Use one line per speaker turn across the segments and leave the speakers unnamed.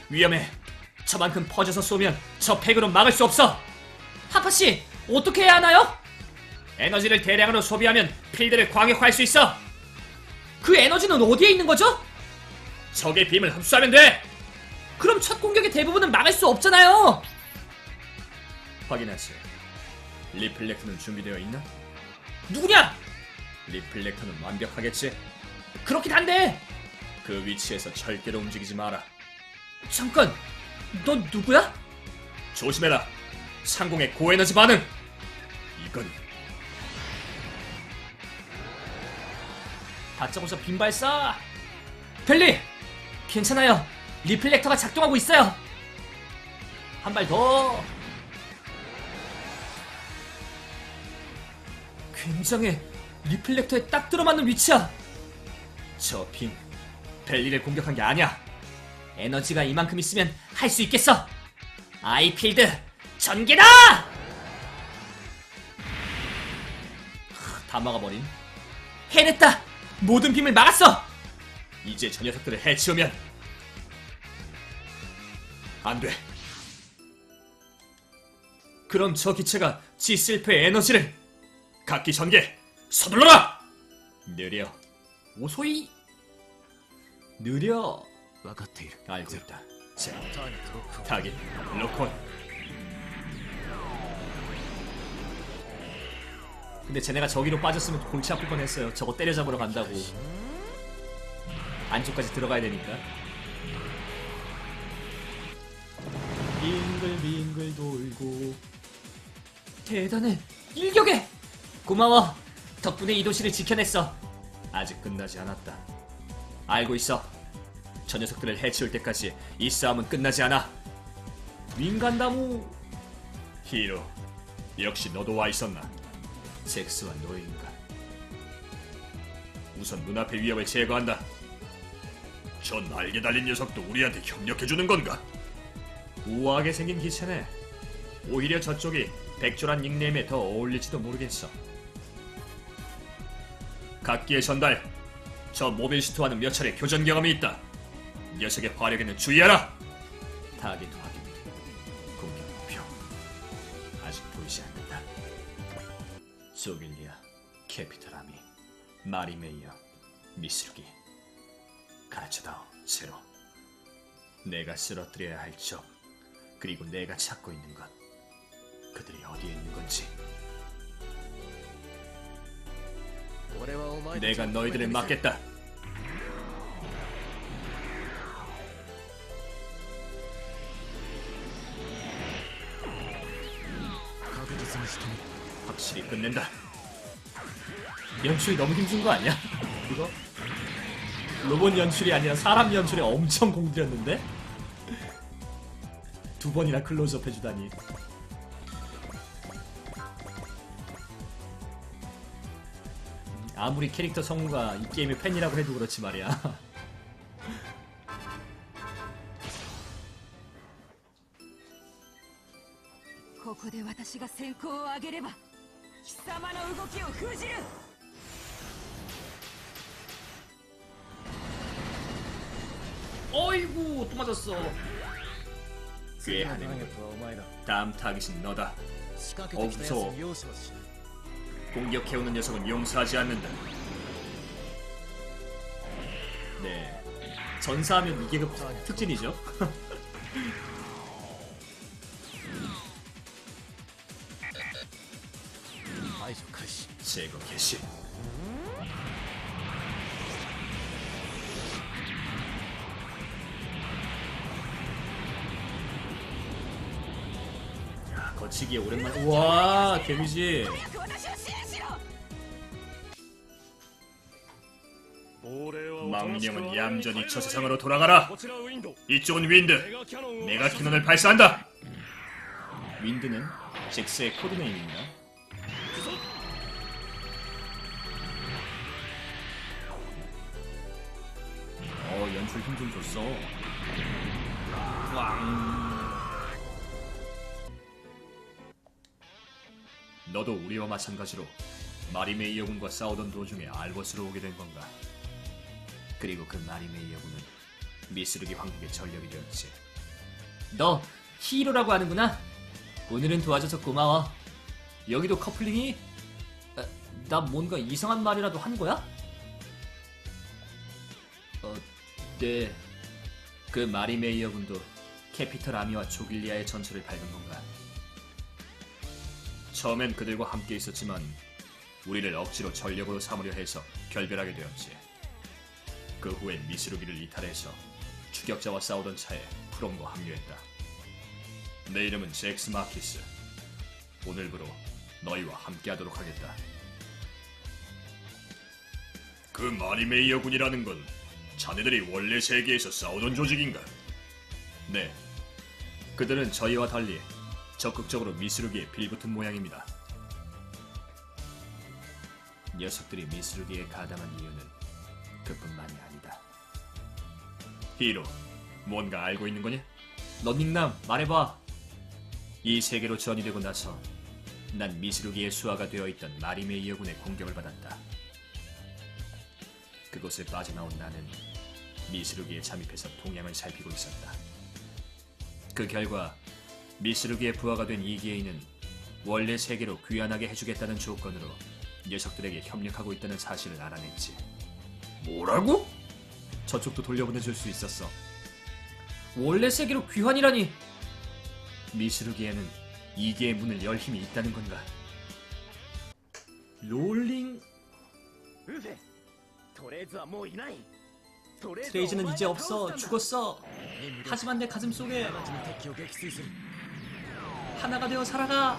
위험해. 저만큼 퍼져서 쏘면 저 팩으로 막을 수 없어. 하파씨, 어떻게 해야 하나요? 에너지를 대량으로 소비하면 필드를 광역화할 수 있어. 그 에너지는 어디에 있는 거죠? 적의 빔을 흡수하면 돼. 그럼 첫 공격의 대부분은 막을 수 없잖아요. 확인하지. 리플렉터는 준비되어 있나? 누구냐? 리플렉터는 완벽하겠지. 그렇긴 한데 그 위치에서 절대로 움직이지 마라. 잠깐, 너 누구야? 조심해라. 상공의 고에너지 반응. 이건 다짜고짜 빈발사. 벨리, 괜찮아요. 리플렉터가 작동하고 있어요. 한 발 더. 굉장해. 리플렉터에 딱 들어맞는 위치야. 저 빔, 벨리를 공격한 게 아니야. 에너지가 이만큼 있으면 할 수 있겠어. 아이필드 전개다! 다 막아버린. 해냈다. 모든 빔을 막았어. 이제 저 녀석들을 해치우면 안 돼. 그럼 저 기체가 G셀프의 에너지를. 각기 전개. 서둘러라. 느려. 오소이. 느려. 알고 있다. 자, 타깃 로콘. 근데 쟤네가 저기로 빠졌으면 골치 아플 뻔했어요. 저거 때려잡으러 간다고. 안쪽까지 들어가야 되니까. 빙글빙글 돌고. 대단해. 일격에. 고마워. 덕분에 이 도시를 지켜냈어. 아직 끝나지 않았다. 알고 있어. 저 녀석들을 해치울 때까지 이 싸움은 끝나지 않아. 윙간다무. 히로, 역시 너도 와 있었나? 잭스와 노예인가? 우선 눈앞의 위협을 제거한다. 저 날개 달린 녀석도 우리한테 협력해주는 건가? 우아하게 생긴 기체네. 오히려 저쪽이 백조란 닉네임에 더 어울릴지도 모르겠어. 각기의 전달. 저 모빌슈트와는 몇 차례 교전 경험이 있다. 녀석의 화력에는 주의하라. 타깃 확인. 공격 목표 아직 보이지 않는다. 소빌리아, 캐피탈 아미, 마리 메이어, 미스루기. 가르쳐다오, 제로. 내가 쓰러뜨려야 할 적, 그리고 내가 찾고 있는 것. 그들이 어디에 있는 건지. 내가 너희들을 막겠다. 확실히 끝낸다. 연출이 너무 힘든 거 아니야? 이거? 로봇 연출이 아니라 사람 연출에 엄청 공들였는데? 두 번이나 클로즈업 해주다니. 아무리 캐릭터 성우가 이 게임의 팬이라고 해도 그렇지 말이야. 어이구, 또 맞았어. 꾀하는 거. 다음 타깃은 너다. 무서워. 공격해오는 녀석은 용서하지 않는다. 네, 전사하면 이게 그 특징이죠. 제거 개시. 야, 거치기에 오랜만에. 우와, 데미지. 망령은 얌전히 저 세상으로 돌아가라. 이쪽은 윈드. 내가 캐논을 발사한다. 윈드는 잭스의 코드네임입니다. 연출 힘 좀 줬어. 너도 우리와 마찬가지로 마리메이어 군과 싸우던 도중에 알버스로 오게 된 건가? 그리고 그 마리메이어 군은 미스루기 왕국의 전력이 되었지. 너 히이로라고 하는구나. 오늘은 도와줘서 고마워. 여기도 커플링이? 나 뭔가 이상한 말이라도 한 거야? 네. 그 마리 메이어 군도 캐피털 아미와 조길리아의 전철을 밟은 건가? 처음엔 그들과 함께 있었지만 우리를 억지로 전력으로 삼으려 해서 결별하게 되었지. 그 후엔 미스루기를 이탈해서 추격자와 싸우던 차에 프롬과 합류했다. 내 이름은 잭스 마키스. 오늘부로 너희와 함께하도록 하겠다. 그 마리메이어 군이라는 건 자네들이 원래 세계에서 싸우던 조직인가? 네. 그들은 저희와 달리 적극적으로 미스루기에 빌붙은 모양입니다. 녀석들이 미스루기에 가담한 이유는 그뿐만이 아니다. 히로, 뭔가 알고 있는 거냐? 런닝남, 말해봐. 이 세계로 전이 되고 나서 난 미스루기의 수하가 되어있던 마리메이어 군의 공격을 받았다. 그곳을 빠져나온 나는 미스루기에 잠입해서 동향을 살피고 있었다. 그 결과 미스루기의 부하가 된 이기에이는 원래 세계로 귀환하게 해주겠다는 조건으로 녀석들에게 협력하고 있다는 사실을 알아냈지. 뭐라고? 저쪽도 돌려보내줄 수 있었어. 원래 세계로 귀환이라니. 미스루기에는 이기의 문을 열 힘이 있다는 건가? 롤링... 트레이즈는 이제 없어. 죽었어. 하지만 내 가슴 속에 하나가 되어 살아가.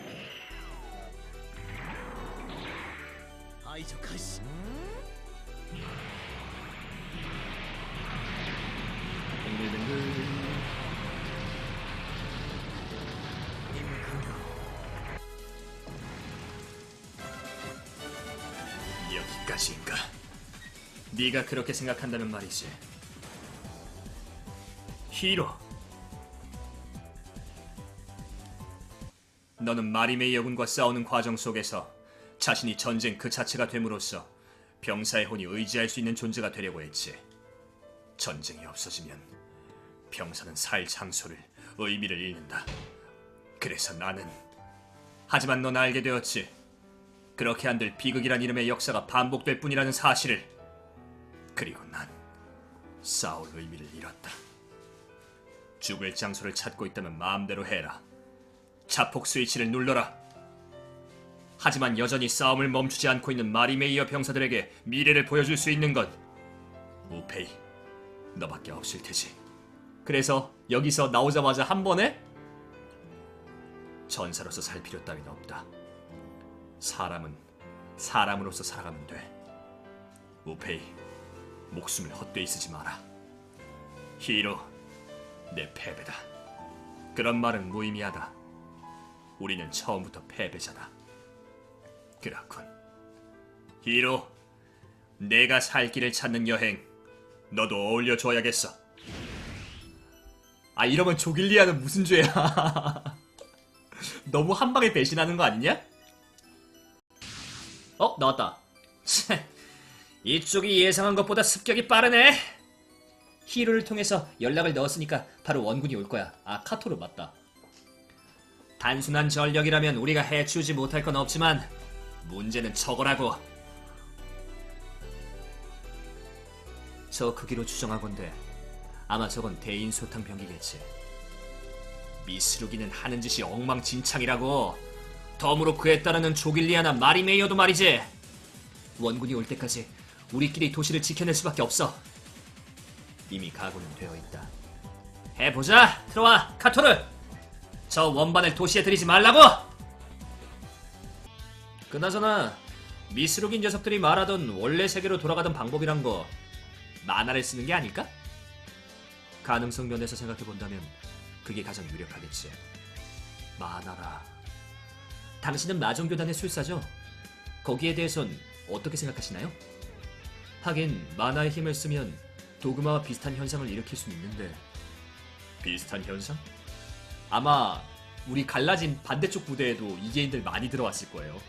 뱅글뱅글. 여기까지인가? 네가 그렇게 생각한다면 말이지. 히로, 너는 마리메이어 군과 싸우는 과정 속에서 자신이 전쟁 그 자체가 됨으로써 병사의 혼이 의지할 수 있는 존재가 되려고 했지. 전쟁이 없어지면 병사는 살 장소를, 의미를 잃는다. 그래서 나는... 하지만 넌 알게 되었지. 그렇게 한들 비극이란 이름의 역사가 반복될 뿐이라는 사실을. 그리고 난 싸울 의미를 잃었다. 죽을 장소를 찾고 있다면 마음대로 해라. 자폭 스위치를 눌러라. 하지만 여전히 싸움을 멈추지 않고 있는 마리메이어 병사들에게 미래를 보여줄 수 있는 건 우페이, 너밖에 없을 테지. 그래서 여기서 나오자마자 한 번에 전사로서 살 필요 따윈 없다. 사람은 사람으로서 살아가면 돼. 우페이, 목숨을 헛되이 쓰지 마라. 히로, 내 패배다. 그런 말은 무의미하다. 우리는 처음부터 패배자다. 그렇군. 히로, 내가 살 길을 찾는 여행, 너도 어울려줘야겠어. 아, 이러면 조길리아는 무슨 죄야. 너무 한 방에 배신하는 거 아니냐? 나왔다. 이쪽이 예상한 것보다 습격이 빠르네. 히로를 통해서 연락을 넣었으니까 바로 원군이 올 거야. 아, 카토르 맞다. 단순한 전력이라면 우리가 해치우지 못할 건 없지만 문제는 저거라고. 저 크기로 추정하건대 아마 저건 대인소탕 병기겠지. 미스루기는 하는 짓이 엉망진창이라고. 덤으로 그에 따르는 조길리아나 마리메이어도 말이지. 원군이 올 때까지 우리끼리 도시를 지켜낼 수밖에 없어. 이미 각오는 되어 있다. 해보자. 들어와, 카토르. 저 원반을 도시에 들이지 말라고. 그나저나 미스루기 녀석들이 말하던 원래 세계로 돌아가던 방법이란 거 만화를 쓰는 게 아닐까? 가능성 면에서 생각해본다면 그게 가장 유력하겠지. 만화라. 당신은 마종교단의 술사죠? 거기에 대해선 어떻게 생각하시나요? 하긴 만화의 힘을 쓰면 도그마와 비슷한 현상을 일으킬 수는 있는데. 비슷한 현상? 아마 우리 갈라진 반대쪽 부대에도 이계인들 많이 들어왔을 거예요.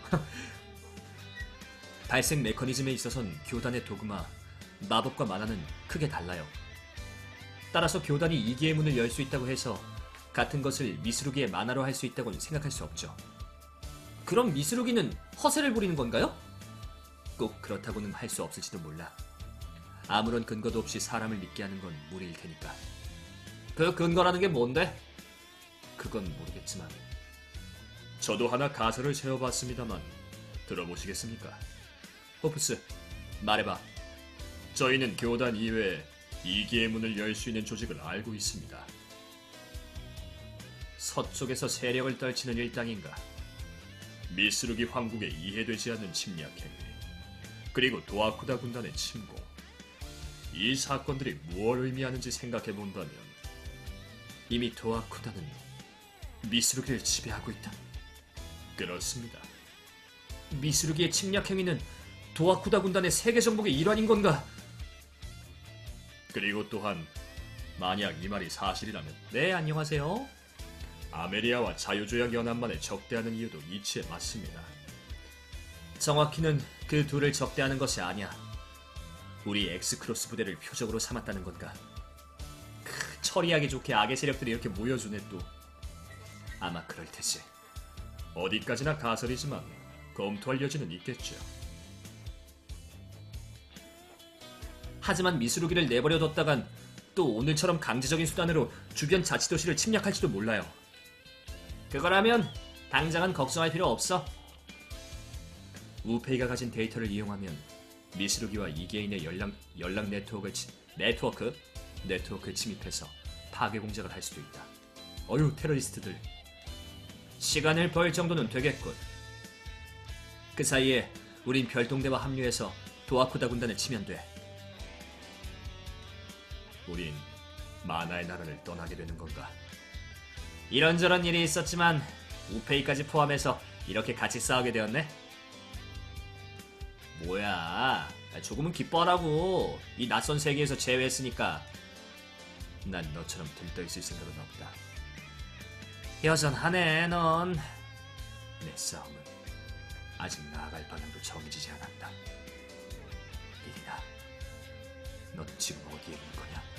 발생 메커니즘에 있어선 교단의 도그마, 마법과 만화는 크게 달라요. 따라서 교단이 이계의 문을 열 수 있다고 해서 같은 것을 미스루기의 만화로 할 수 있다고는 생각할 수 없죠. 그럼 미스루기는 허세를 부리는 건가요? 꼭 그렇다고는 할 수 없을지도 몰라. 아무런 근거도 없이 사람을 믿게 하는 건 무리일 테니까. 그 근거라는 게 뭔데? 그건 모르겠지만 저도 하나 가설을 세워봤습니다만 들어보시겠습니까? 호프스, 말해봐. 저희는 교단 이외에 이기의 문을 열 수 있는 조직을 알고 있습니다. 서쪽에서 세력을 떨치는 일당인가, 미스루기 황국에 이해되지 않는 침략 행위, 그리고 도아쿠다 군단의 침공. 이 사건들이 무엇을 의미하는지 생각해본다면 이미 도아쿠다는 미스루기를 지배하고 있다. 그렇습니다. 미스루기의 침략 행위는 도아쿠다 군단의 세계 정복의 일환인 건가? 그리고 또한 만약 이 말이 사실이라면, 네, 안녕하세요. 아메리아와 자유조약연합만을 적대하는 이유도 이치에 맞습니다. 정확히는 그 둘을 적대하는 것이 아니야. 우리 엑스크로스 부대를 표적으로 삼았다는 건가? 처리하기 좋게 악의 세력들이 이렇게 모여주네 또. 아마 그럴 테지. 어디까지나 가설이지만 검토할 여지는 있겠죠. 하지만 미스루기를 내버려뒀다간 또 오늘처럼 강제적인 수단으로 주변 자치도시를 침략할지도 몰라요. 그거라면 당장은 걱정할 필요 없어. 우페이가 가진 데이터를 이용하면 미스루기와 이계인의 연락 네트워크 침입해서 파괴 공작을 할 수도 있다. 어휴, 테러리스트들. 시간을 벌 정도는 되겠군. 그 사이에 우린 별동대와 합류해서 도아쿠다 군단을 치면 돼. 우린 만화의 나라를 떠나게 되는 건가? 이런저런 일이 있었지만 우페이까지 포함해서 이렇게 같이 싸우게 되었네? 뭐야, 조금은 기뻐하라고. 이 낯선 세계에서 제외했으니까. 난 너처럼 들떠있을 생각은 없다. 여전하네, 넌. 내 싸움은 아직 나아갈 방향도 정해지지 않았다. 리리나, 넌 지금 어디에 있는 거냐?